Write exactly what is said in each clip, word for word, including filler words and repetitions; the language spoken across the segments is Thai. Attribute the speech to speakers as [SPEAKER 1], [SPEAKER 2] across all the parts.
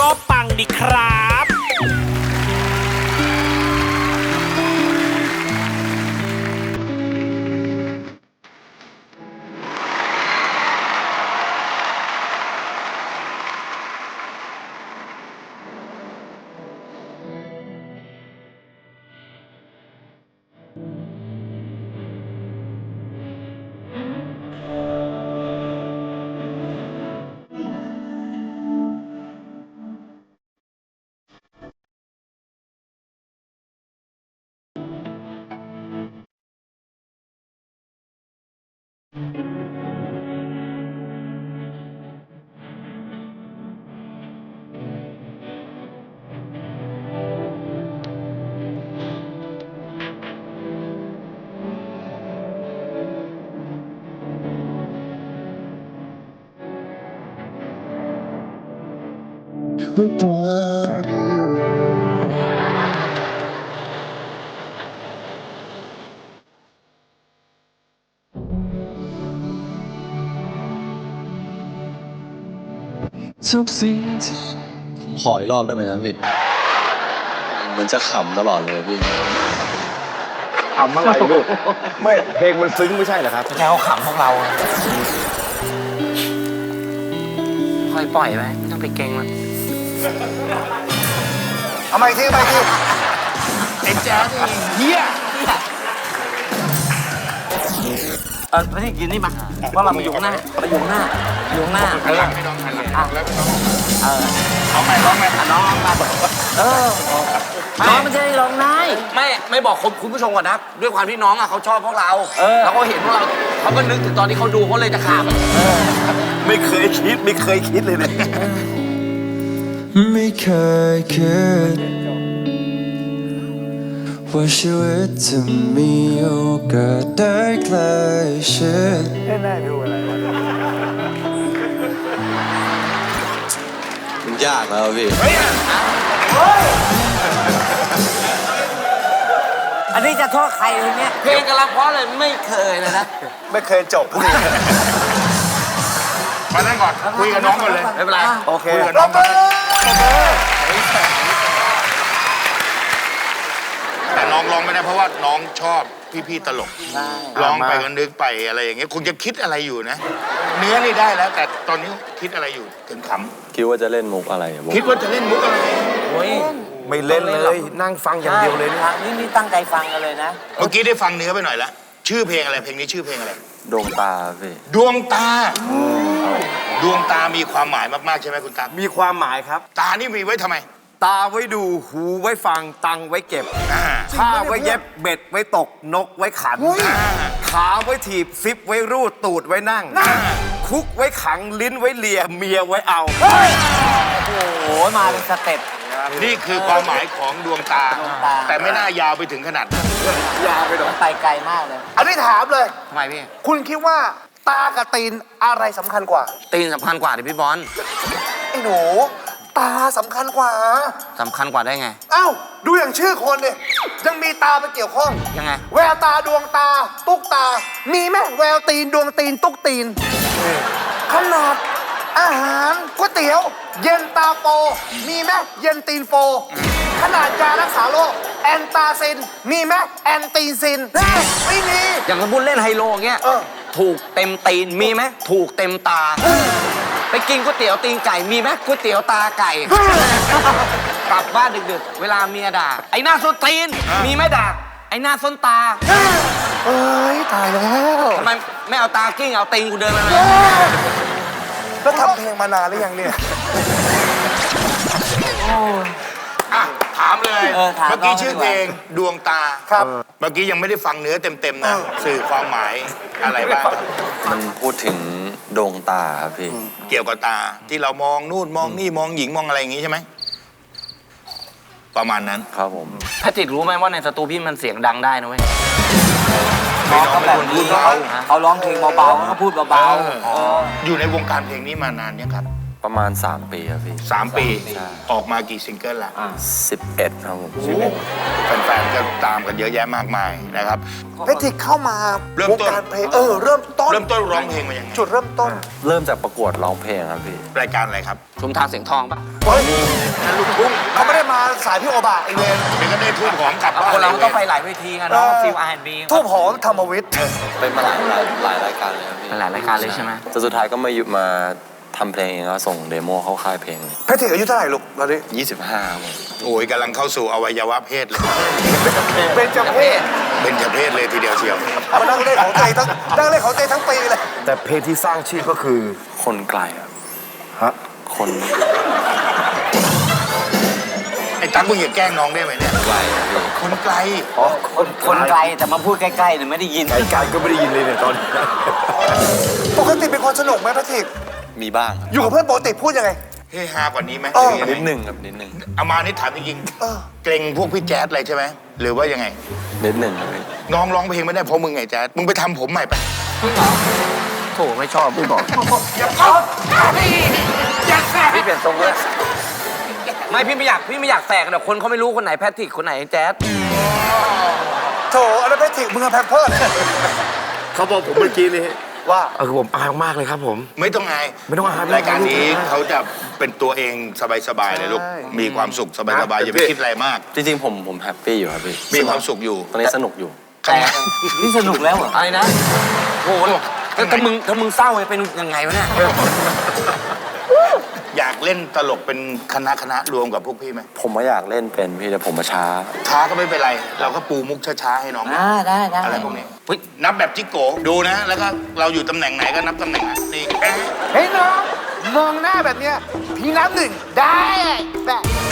[SPEAKER 1] ก็ปังดีครับ
[SPEAKER 2] ทุกสิ่งที่ขออีกรอบได้ไหมครับพี่มันจะขำตลอดเลยพี่
[SPEAKER 3] ขำอะไรลูกไม่เพลงมันซึ้งไม่ใช่เหรอครับ
[SPEAKER 4] แค่เขาขำพวกเราค่อยปล่อยไปไม่ต้องไปเก่งมัน
[SPEAKER 3] เอาไปที่ไปที่ไอ้แจ๊สเฮีย
[SPEAKER 4] เออไม่ได้กินนี่มาว่าเรามาอยู่ข้างหน้ามาอยู่ข้างหน้าอยู่ข้างหน้าเออเออร้องไปร้องไปน้องร้องมาเออน้องไม่ใช่ร้องนายไม่ไม่บอกคุณผู้ชมก่อนนะด้วยความที่น้องอ่ะเขาชอบพวกเราแล้วเขาเห็นพวกเราเขาก็นึกถึงตอนที่เขาดูเขาเลยจะขำ
[SPEAKER 3] ไม่เคยคิดไม่เคยคิดเลยเนี่ย
[SPEAKER 5] ไม่เคยคิดว่าชีวิตจะมีโอกาสได้ใกล้ชิด
[SPEAKER 2] มันยากแล้วพี่
[SPEAKER 4] อันนี้จะโทษใครเลยเนี่ยเพลงกำลังเพราะเลยไม่เคยเลยนะ
[SPEAKER 3] ไม่เคยจบเลยมานั่งก่อนคุยกับน้องก่อนเลย
[SPEAKER 4] ไม่เป็นไรโอเค
[SPEAKER 3] คุยกับน้องก่อนแต่น้องร้องไม่ได้เพราะว่าน้องชอบพี่ๆตลกร้องไปก็นึกไปอะไรอย่างเงี้ยคงจะคิดอะไรอยู่นะ เนื้อนี่ได้แล้ว แต่ตอนนี้คิดอะไรอยู่ถึงข
[SPEAKER 2] คิดว่าจะเล่นมุกอะไรมุก
[SPEAKER 3] ำคิดว่าจะเล่นมุกอะไร
[SPEAKER 4] โอ้ย
[SPEAKER 3] ไม่เล่นเลยนั่งฟังอย่างเดียวเลย
[SPEAKER 4] นี่นี่นี่ตั้งใจฟังกันเลยนะ
[SPEAKER 3] เมื่อกี้ได้ฟังเนื้อไปหน่อยละชื่อเพลงอะไรเพลงนี้ชื่อเพลงอะไร
[SPEAKER 2] ดวงตาพี่
[SPEAKER 3] ดวงตา ดวงตามีความหมายมากๆใช่ไหมคุณตา
[SPEAKER 6] มีความหมายครับ
[SPEAKER 3] ตานี่มีไว้ทำไม
[SPEAKER 6] ตาไว้ดูหูไว้ฟังตังไว้เก็บ
[SPEAKER 3] อ่า
[SPEAKER 6] ผ้าไว้เย็บเบ็ดไว้ตกนกไว้ขัน ขาไว้ถีบซิปไว้รูดตูดไว้นั่ง คุกไว้ขังลิ้นไว้เลียเมียไว้เอา
[SPEAKER 4] โอ้โหมาเป็นสเต็ป
[SPEAKER 3] นี่คือความหมายของดวงตา
[SPEAKER 4] ดวงตา
[SPEAKER 3] แต่ไม่น่ายาวไปถึงขนาดนั้น
[SPEAKER 6] ยาไปหน่อย
[SPEAKER 4] ไปไกลมากเลย
[SPEAKER 7] อันนี้ถามเลย
[SPEAKER 4] ทำไมพี่
[SPEAKER 7] คุณคิดว่าตากับตีนอะไรสำคัญกว่า
[SPEAKER 4] ตีนสำคัญกว่าดิพี่บอล
[SPEAKER 7] ไอ้หนู ตาสำคัญกว่า
[SPEAKER 4] สำคัญกว่าได้ไง
[SPEAKER 7] เอ้า ดูอย่างชื่อคนเนี่ยยังมีตาไปเกี่ยวข้อง
[SPEAKER 4] ยังไง
[SPEAKER 7] แววตาดวงตา ตุ๊กตา มีไหมแววตีนดวงตีนตุ๊กตีน ขนาดอาหารก๋วยเตี๋ยว เย็นตาโฟมีไหมเย็นตีนโฟ ขนาดยารักษาโรคแอนตาซิน มีไหมแอนตีซินแน่ไม่มี
[SPEAKER 4] อย่างสมมติเล่นไฮโลเงี้ย
[SPEAKER 7] เออ
[SPEAKER 4] ถูกเต็มตีนมีไหมถูกเต็มตา ไปกินก๋วยเตี๋ยวตีนไก่มีไหมก๋วยเตี๋ยวตาไก่ กลับบ้านดึกๆ เวลาเมียด่า ไอ้หน้าส้นตีน มีไหมด่า ไอ้หน้าส้นตา
[SPEAKER 7] เอ้ยตายแล้ว
[SPEAKER 4] ทำไมไม่เอาตากิ้งเอาตีนกูเดินมาเลย
[SPEAKER 7] แล้วทำเพลงมานานหรือยังเนี่ย
[SPEAKER 3] อ่ะถามเลย
[SPEAKER 4] เออถาม
[SPEAKER 3] เมื่อกี้
[SPEAKER 4] น้อง
[SPEAKER 3] ชื่อ
[SPEAKER 4] ดีกว่า
[SPEAKER 3] เพลงดวงตา
[SPEAKER 7] ครับ
[SPEAKER 3] เมื่อกี้ยังไม่ได้ฟังเนื้อเต็มๆนะ สื่อความหมายอะไรบ้าง
[SPEAKER 2] มันพูดถึงดวงตาครับพี่
[SPEAKER 3] เกี่ยวกับตาที่เรามองนู่นมองนี่มองหญิงมองอะไรอย่างงี้ใช่ไหม ประมาณนั้น
[SPEAKER 2] ครับผม
[SPEAKER 4] ถ้าจิตรู้ไหมว่าในสตูพี่มันเสียงดังได้นะเว้ย
[SPEAKER 3] ไม่น้องไม่ควรพูดเบา
[SPEAKER 4] เขาร้องเพลงเบาๆเขาพูดเบา
[SPEAKER 3] เอออยู่ในวงการเพลงนี้มานานยังครับ
[SPEAKER 4] ๆ
[SPEAKER 5] ประมาณ สาม ปีครับพี่
[SPEAKER 3] สามปี
[SPEAKER 5] ใช่
[SPEAKER 3] ออกมากี่ซิงเกิลละ
[SPEAKER 5] สิบเอ็ดครับผม
[SPEAKER 3] แฟนๆก็ตามกันเยอะแยะมากมายนะครับ
[SPEAKER 7] แพทริกเข้ามา
[SPEAKER 3] เริ่ม
[SPEAKER 7] วง
[SPEAKER 3] ต้น
[SPEAKER 7] การเพลงเออเริ่มต้น
[SPEAKER 3] เริ่มต้นร้องเพลงมายังไง
[SPEAKER 7] จุดเริ่มต้น
[SPEAKER 5] เริ่มจากประกวดร้องเพลงครับพี่
[SPEAKER 3] รายการอะไรครับ
[SPEAKER 4] ชุมทางเสียงทองปะ
[SPEAKER 7] เฮ้ยลูกทุ่งเขาไม่ได้มาสายพี่โอบะไอเวน
[SPEAKER 3] เดี๋ยวก็ได้ทุ่มของกลับบ้าน
[SPEAKER 4] คนเรา
[SPEAKER 3] ลย
[SPEAKER 4] ต้องไปหลายเวทีกันเนาะฟิลอาร์แอนด์บี
[SPEAKER 7] ทูบหอมธรรมวิทย์
[SPEAKER 5] เป็นมาหลายหลายหลายรายการเลยครับพี่
[SPEAKER 4] หลายรายการเลยใช่ไหม
[SPEAKER 5] แต่สุดท้ายก็มาอยู่มาทำเพลงเองแล้วส่งเดโมเข้าค่ายเพลงเลย
[SPEAKER 7] แพทริกอายุเท่าไหร่ลูกตอนนี้
[SPEAKER 5] ยี่สิบห้าครับผม
[SPEAKER 3] โอ้ยกำลังเข้าสู่อวัยวะเพศเลย
[SPEAKER 7] เป็นจเพศ
[SPEAKER 3] เป็นจเพศเลยทีเดียวเชียว
[SPEAKER 7] มานั่งเล่นของเตยทั้งนั่งเล่นของเตยทั้งปีเลย
[SPEAKER 6] แต่เพลงที่สร้างชื่อก็คือ
[SPEAKER 5] คนไกลครับ
[SPEAKER 6] ฮะ
[SPEAKER 5] คน
[SPEAKER 3] ไอ้ตั๊กมึงอย่าแกล้งน้องได้ไหมเนี่ย
[SPEAKER 5] ไกลครับพี่
[SPEAKER 3] คนไกล
[SPEAKER 6] อ๋อ
[SPEAKER 4] คนคนไกลแต่มาพูดใกล้ๆเนี่ยไม่ได้ยิน
[SPEAKER 6] ไกลๆก็ไม่ได้ยินเลยเนี่ยตอนนี้
[SPEAKER 7] ปกติเป็นคนสนุกไหมแพทริก
[SPEAKER 5] มีบ้างครับ
[SPEAKER 7] อยู่กับเพื่อนปกติพูดยังไง
[SPEAKER 3] เฮฮากว่านี้ไหม
[SPEAKER 7] เออ
[SPEAKER 3] หรือยังไง
[SPEAKER 5] นิดหนึ่งครับนิดหนึ่ง
[SPEAKER 3] เอามานี่ถามจริง
[SPEAKER 7] เออ
[SPEAKER 3] ๆเกรงพวกพี่แจ๊ดอะไรใช่ไหมหรือว่ายังไง
[SPEAKER 5] นิดหนึ่งครับพี่
[SPEAKER 3] น้องร้องเพลงไม่ได้เพราะมึงไงแจ๊ดมึงไปทำผมใหม่ไป
[SPEAKER 4] โถไม่ชอบพี่บอก
[SPEAKER 3] อย่าเข้าอย่าแสบ
[SPEAKER 4] พี่เปลี่ยนทรงเลยไม่พี่ไม่อยากพี่ไม่อยากแตกเดี๋ยวคนเขาไม่รู้คนไหนแพทริกคนไหนแจ๊ด
[SPEAKER 7] โถอันนั้นแพทริกมึงเอาแพมเพิร์ส
[SPEAKER 6] เขาบอกผมเมื่อกี้นี่
[SPEAKER 7] ว่า
[SPEAKER 6] เออผมอายมากเลยครับผม
[SPEAKER 3] ไม่ต้องอาย
[SPEAKER 6] ไม่ต้องอาย
[SPEAKER 3] รายการนี้เขาจะเป็นตัวเองสบายๆเลยลูก
[SPEAKER 7] ใช่
[SPEAKER 3] มีความสุขสบายๆอย่าไปคิดอะไรมาก
[SPEAKER 5] จริงๆผมผมแฮปปี้อยู่ครับพี่
[SPEAKER 3] มีความสุขอยู่
[SPEAKER 5] ตอนนี้สนุกอยู่
[SPEAKER 4] แต่นี่สนุกแล้วเหรออะไรนะโอ้โหถ้าถ้ามึงถ้ามึงเศร้าจะเป็นยังไงวะเนี่ย
[SPEAKER 3] อยากเล่นตลกเป็นคณะคณะรวมกับพวกพี่ไหม
[SPEAKER 5] ผมว่าอยากเล่นเป็นพี่แต่ผมมาช้า
[SPEAKER 3] ช้าก็ไม่เป็นไร เราก็ปูมุกช้าๆให้น้อง
[SPEAKER 4] อ่าได้ได้
[SPEAKER 3] อะไรพวกนี้
[SPEAKER 4] เฮ้ย
[SPEAKER 3] นับแบบจิกโกดูนะ แล้วก็เราอยู่ตำแหน่งไหนก็นับตำแหน่งนั้นนี่เอ๊ะ
[SPEAKER 7] เฮ้ยน้องมองหน้าแบบเนี้ยพี่น้ำหนึ่งได้แบบ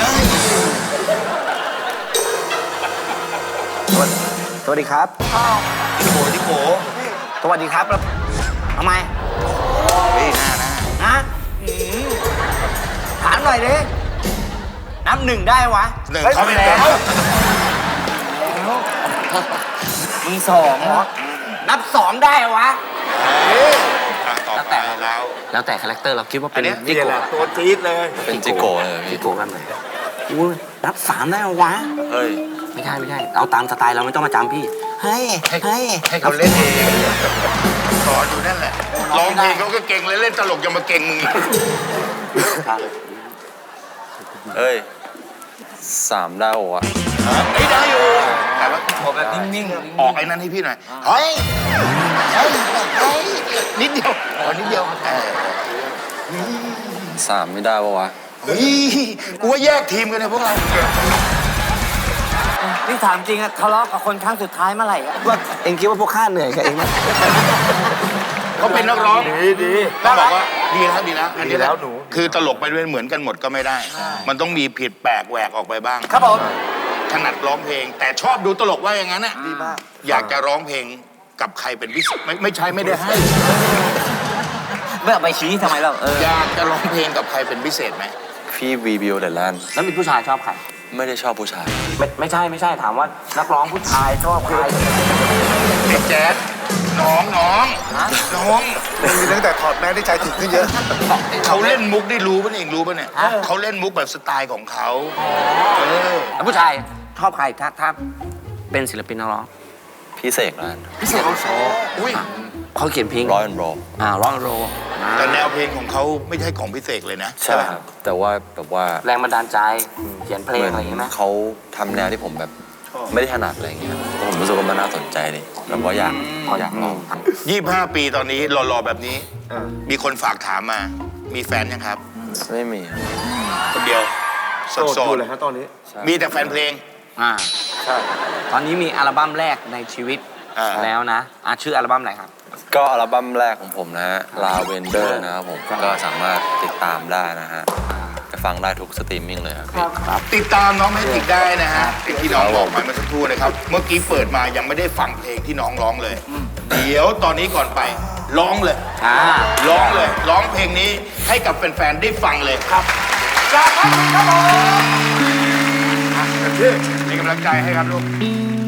[SPEAKER 4] สวัสดีครับ
[SPEAKER 3] จิกโกจิกโก
[SPEAKER 4] สวัสดีครับแล้วทำไม
[SPEAKER 3] นี่หน้าหน้า
[SPEAKER 4] ฮะถามหน่อยดินับหนึ่งได้วะ
[SPEAKER 3] หนึ่งเขาไปแล้ว
[SPEAKER 4] มึงสองเหรอนับสองได้วะ
[SPEAKER 3] อ่ะต่อ
[SPEAKER 4] แล้ว
[SPEAKER 3] ไป
[SPEAKER 4] แต่
[SPEAKER 3] แล้ว
[SPEAKER 4] แล้วแต่คาแรคเตอร์เราคิดว่าเป็น
[SPEAKER 3] อันเนี้ย
[SPEAKER 4] จิ
[SPEAKER 6] นี่
[SPEAKER 4] โก
[SPEAKER 6] แหละตัวจี๊ดเลย
[SPEAKER 5] เป็นจิโก้เลยพี่
[SPEAKER 4] จิโกกันไหนอุ้ยนับสามได้วะ
[SPEAKER 5] เฮ้ย
[SPEAKER 4] ไม่ใช่ไม่ใช่เอาตามสไตล์เราไม่ต้องมาจำพี่เฮ้ย
[SPEAKER 3] ให้
[SPEAKER 4] เฮ้ย
[SPEAKER 3] ให้เขาเล่นเองสอนอยู่นั่นแหละร้องเพลงเขาก็เก่งเลยเล่นตลกยังมาเก่งมึงอีก
[SPEAKER 5] เอ้ยสามได้โอ้อะ
[SPEAKER 3] ไอ้ยได้อยู่แต่ว่า
[SPEAKER 4] บอกแบบนิ่ง
[SPEAKER 3] ออกไอ้นั้นให้พี่หน่อยเฮ้ยเฮ้ยเฮ้ยนิดเดียวขอนิดเดียวเออ
[SPEAKER 5] สามไม่ได้ปะวะ
[SPEAKER 3] เฮ้ยกูว่าแยกทีมกันเนี่ยพวกเรา
[SPEAKER 4] ๆนี่ถามจริงอะทะเลาะกับคนครั้งสุดท้ายเมื่อไหร่อะว่าเองคิดว่าพวกข้าเหนื่อยกับเองไหม
[SPEAKER 3] เขาเป็นนักร้อง
[SPEAKER 6] ดีดี
[SPEAKER 3] ต้องบอกว่าดีแล้วดีแล้วอันนี้
[SPEAKER 6] ดีแล้วหนู
[SPEAKER 3] คือตลกไปด้วยเหมือนกันหมดก็ไม่ได้ มันต้องมีผิดแปลกแหวกออกไปบ้าง
[SPEAKER 7] ครับผม
[SPEAKER 3] ถนัดร้องเพลง แต่ชอบดูตลกว่าอย่างนั้นน่ะ
[SPEAKER 7] ดีมาก
[SPEAKER 3] อยากจะร้องเพลงกับใครเป็นพิเศษไม่ไม่ใช่ไม่ได้ให้
[SPEAKER 4] ไม่เอาไปชี้ทำไมเราเออ
[SPEAKER 3] อยากจะร้องเพลงกับใครเป็นพิเศษไหม
[SPEAKER 5] พี่วีบิวเดลแลนด์
[SPEAKER 4] แล้วมีผู้ชายชอบใคร
[SPEAKER 5] ไม่ได้ชอบผู้ชาย
[SPEAKER 4] ไม่ไม่ใช่ไม่ใช่ถามว่านักร้องผู้ชายชอบใคร
[SPEAKER 3] ไอ้แจ๊ดน้องน้อง
[SPEAKER 4] ฮะ
[SPEAKER 3] น้อง
[SPEAKER 7] มีตั้งแต่ถอดแมสได้ใจถึงขึ้นเยอะ
[SPEAKER 3] เขาเล่นมุกได้รู้ป่ะเนี่ยเองรู้ป่ะเนี่ยเขาเล่นมุกแบบสไตล์ของเขาเออ
[SPEAKER 4] แล้วผู้ชายชอบใครถ้าถ้าเป็นศิลปินนักร้อง
[SPEAKER 5] พี่เสกนะ
[SPEAKER 4] พิเศษโชว์
[SPEAKER 3] อุ้ย
[SPEAKER 4] เขาเขียนเพลง
[SPEAKER 5] ร้อยแอนด์โร
[SPEAKER 4] อ่าร้องโร
[SPEAKER 3] แต่แนวเพลงของเขาไม่ใช่ของพิเศษเลยนะ
[SPEAKER 5] ใช่ครับ แต่ว่าแบบว่า
[SPEAKER 4] แรงบันดาลใจเขียนเพลง
[SPEAKER 5] เหมื
[SPEAKER 4] อะไรอย่างเงี้ยไหม
[SPEAKER 5] เขาทำแนวที่ผมแบบไม่ได้ถนัดอะไรอย่างเงี้ยแล้วผมรู้สึกว่ามันน่าสนใจดิแบบว่าอยากอยากลอง
[SPEAKER 3] ยี่สิบห้าปีตอนนี้หล่อๆแบบนี้ มีคนฝากถามมา มีแฟนยังครับ
[SPEAKER 5] ไม่มีครับ
[SPEAKER 3] คนเดียวโส
[SPEAKER 6] โสด
[SPEAKER 3] ด
[SPEAKER 6] อยู่เลยฮะตอนนี้
[SPEAKER 3] ๆมีแต่แฟนเพลง
[SPEAKER 4] อ่า
[SPEAKER 6] ใช่
[SPEAKER 4] ตอนนี้มีอัลบั้มแรกในชีวิต
[SPEAKER 3] อ่า
[SPEAKER 4] แล้วนะอ่ะชื่ออัลบั้มอะไรครับ
[SPEAKER 5] ก็อัลบั้มแรกของผมนะฮะ Lavender นะครับผมก็สามารถติดตามได้นะฮะจะฟังได้ทุกสตรีมมิ่งเลยครับพี่
[SPEAKER 3] ติดตามน้องแมทริกได้นะฮะที่น้องบอกไปเมื่อสักครู่นะครับ เมื่อกี้เปิดมายังไม่ได้ฟังเพลงที่น้องร้องเลย เดี๋ยวตอนนี้ก่อนไปร้องเลย
[SPEAKER 4] อ่า
[SPEAKER 3] ร้องเลย ร้องเพลงนี้ให้กับแฟนๆได้ฟังเลยครับ
[SPEAKER 7] จากครับครับผม
[SPEAKER 3] เป็นกำลังใจให้ครับลูก